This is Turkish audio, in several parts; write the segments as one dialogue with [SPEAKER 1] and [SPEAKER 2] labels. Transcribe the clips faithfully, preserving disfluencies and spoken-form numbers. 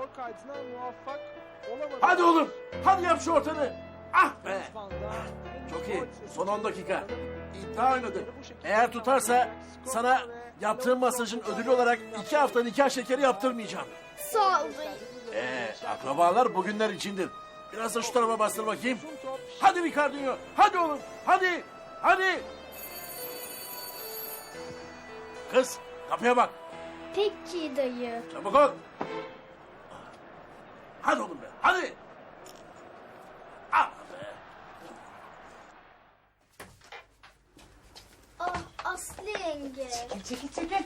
[SPEAKER 1] kaydına muvaffak olamadı.
[SPEAKER 2] Hadi oğlum. Hadi yap şu ortanı. Ah be. Çok iyi. Son on dakika. İddia oynadı. Eğer tutarsa sana yaptığım masajın ödülü olarak iki hafta nikah şekeri yaptırmayacağım.
[SPEAKER 3] Sağ ol dayı.
[SPEAKER 2] Ee, akrabalar bugünler içindir. Biraz da şu tarafa bastır bakayım. Hadi Ricardinho. Hadi oğlum. Hadi. Hadi. Kız kapıya bak.
[SPEAKER 3] Peki dayı.
[SPEAKER 2] Çabuk ol. Hadi oğlum be. Hadi. Ah be.
[SPEAKER 3] Ah Aslı yenge.
[SPEAKER 4] Çekil çekil.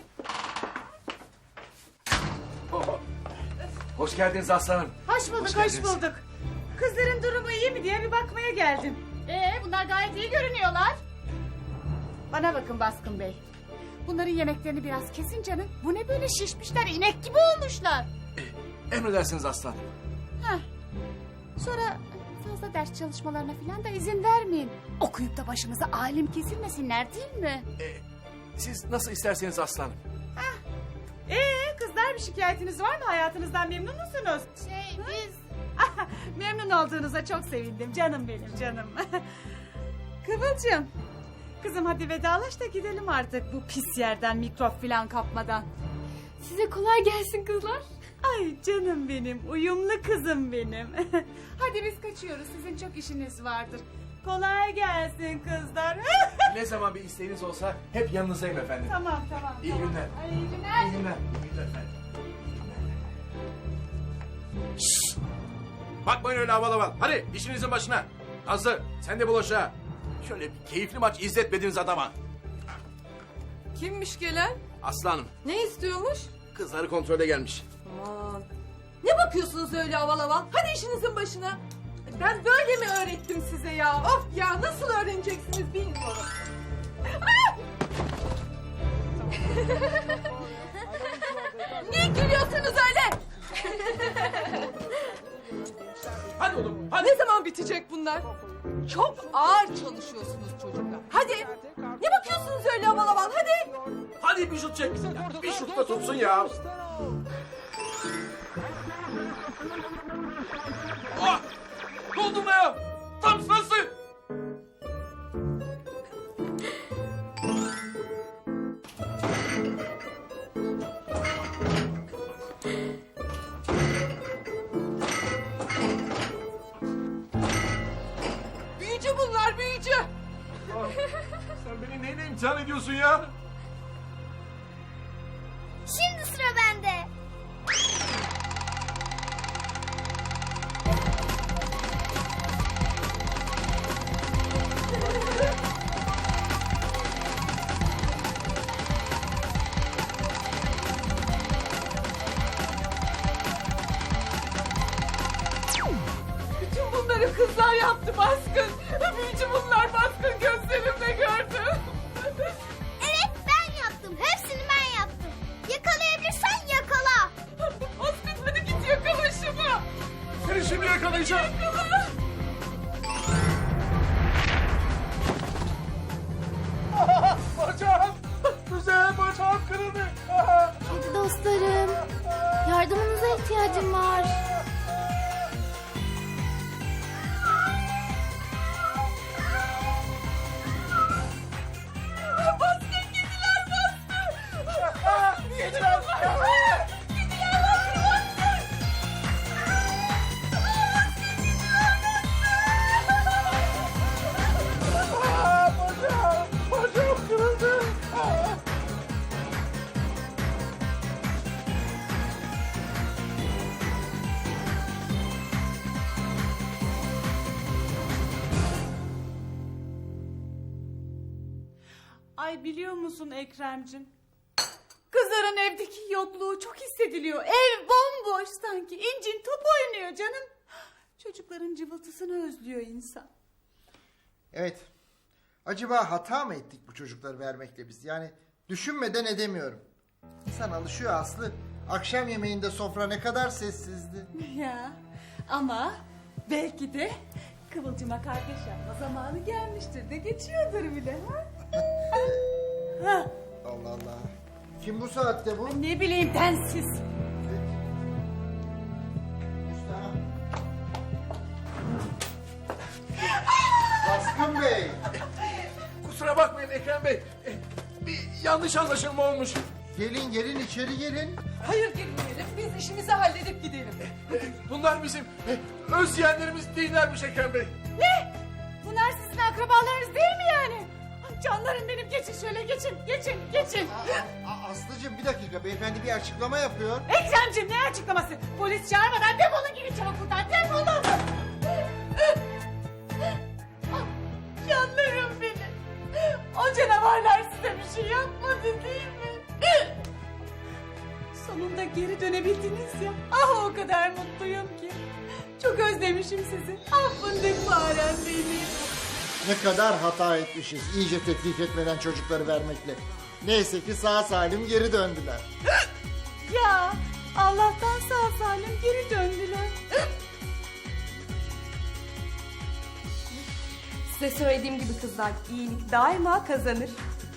[SPEAKER 2] Oh. Hoş geldiniz aslanım.
[SPEAKER 4] Hoş bulduk, hoş,
[SPEAKER 2] geldiniz.
[SPEAKER 4] bulduk. Kızların durumu iyi mi diye bir bakmaya geldim.
[SPEAKER 5] Ee, bunlar gayet iyi görünüyorlar.
[SPEAKER 4] Bana bakın Baskın Bey.
[SPEAKER 5] Bunların yemeklerini biraz kesin canım. Bu ne böyle şişmişler, inek gibi olmuşlar.
[SPEAKER 2] Emredersiniz aslanım.
[SPEAKER 5] Heh. Sonra fazla ders çalışmalarına falan da izin vermeyin. Okuyup da başımıza alim kesilmesinler değil mi?
[SPEAKER 2] Ee, siz nasıl isterseniz aslanım.
[SPEAKER 4] Ee, kızlar bir şikayetiniz var mı? Hayatınızdan memnun musunuz?
[SPEAKER 5] Şey biz...
[SPEAKER 4] Memnun olduğunuza çok sevindim. Canım benim canım. Kıvılcım. Kızım hadi vedalaş da gidelim artık bu pis yerden mikrop falan kapmadan.
[SPEAKER 3] Size kolay gelsin kızlar.
[SPEAKER 4] Ay canım benim, uyumlu kızım benim.
[SPEAKER 5] Hadi biz kaçıyoruz. Sizin çok işiniz vardır.
[SPEAKER 4] Kolay gelsin kızlar.
[SPEAKER 2] Ne zaman bir isteğiniz olsa hep yanınızdayım efendim.
[SPEAKER 4] Tamam tamam.
[SPEAKER 2] İyi
[SPEAKER 4] tamam.
[SPEAKER 2] günler.
[SPEAKER 5] Ay, iyi günler.
[SPEAKER 2] İyi günler. İyi günler efendim. Şşş! Bakmayın öyle aval aval. Hadi işinizin başına. Nazlı sen de bulaşa. Şöyle bir keyifli maç izletmediniz adama.
[SPEAKER 6] Kimmiş gelen?
[SPEAKER 2] Aslanım
[SPEAKER 6] Ne istiyormuş?
[SPEAKER 2] kızları kontrole gelmiş.
[SPEAKER 6] Aman. Ne bakıyorsunuz öyle aval aval? Hadi işinizin başına. Ben böyle mi öğrettim size ya? Of ya nasıl öğreneceksiniz bilmiyorum. Ah! Niye gülüyorsunuz öyle?
[SPEAKER 2] Hadi oğlum hadi.
[SPEAKER 6] Ne zaman bitecek bunlar? Çok ağır çalışıyorsunuz çocuklar. Hadi. Ne bakıyorsunuz öyle aval aval? Hadi.
[SPEAKER 2] Hadi bir şut çek. Ya, bir şut da tutsun ya. Ah! Doldurma ya. Tam sırası.
[SPEAKER 6] Büyücü bunlar büyücü.
[SPEAKER 2] Sen beni neyle imtihan ediyorsun ya?
[SPEAKER 3] Şimdi sıra bende.
[SPEAKER 6] Bütün bunları kızlar yaptı Baskın. Büyücü bunlar Baskın gözlerimle gördüm.
[SPEAKER 3] Evet ben yaptım. Hepsini ben yaptım. Yakalayabilirsen yakala.
[SPEAKER 6] Baskın hadi git yakala şunu.
[SPEAKER 2] Seni şimdi yakalayacağım.
[SPEAKER 6] Yakala.
[SPEAKER 2] Bacağım. Güzel bacağım kırıldı.
[SPEAKER 3] Hadi dostlarım. Yardımınıza ihtiyacım var.
[SPEAKER 6] Baskın gidiler Baskın.
[SPEAKER 2] Yediler. Bacağım. Bacağım kırıldı.
[SPEAKER 4] Ay biliyor musun Ekrem'cim? Kızların evdeki yokluğu çok hissediliyor. Ev bomboş sanki. İncin top oynuyor canım. Çocukların cıvıltısını özlüyor insan.
[SPEAKER 7] Evet. Acaba hata mı ettik bu çocukları vermekle biz? Yani düşünmeden edemiyorum. İnsan alışıyor Aslı. Akşam yemeğinde sofra ne kadar sessizdi.
[SPEAKER 4] Ya ama belki de Kıvılcım'a kardeş yapma zamanı gelmiştir de geçiyordur bile. Ha? Ha,
[SPEAKER 7] Allah Allah. Kim bu saatte bu?
[SPEAKER 4] ne bileyim densiz.
[SPEAKER 2] bakmayın Ekrem Bey. E, bir yanlış anlaşılma olmuş.
[SPEAKER 7] Gelin gelin içeri gelin.
[SPEAKER 6] Hayır girmeyelim. Biz işimizi halledip gidelim.
[SPEAKER 2] E, bunlar bizim e, öz yeğenlerimiz değillermiş Ekrem Bey.
[SPEAKER 5] Ne? Bunlar sizin akrabalarınız değil mi yani? Ay canlarım benim, geçin şöyle, geçin, geçin, geçin.
[SPEAKER 7] Aa, aa, Aslıcığım bir dakika, beyefendi bir açıklama yapıyor.
[SPEAKER 5] Ekremciğim, ne açıklaması? Polis çağırmadan defolun, gidin çabuk buradan, defolun. Ah, canlarım benim. O canavarlar size bir şey yapmadı değil mi? Sonunda geri dönebildiniz ya. Ah, o kadar mutluyum ki. Çok özlemişim sizi. Ah fındık farem benim.
[SPEAKER 7] Ne kadar hata etmişiz iyice tetkik etmeden çocukları vermekle. Neyse ki sağ salim geri döndüler.
[SPEAKER 5] Ya Allah'tan sağ salim geri döndüler.
[SPEAKER 6] Size söylediğim gibi kızlar, iyilik daima kazanır.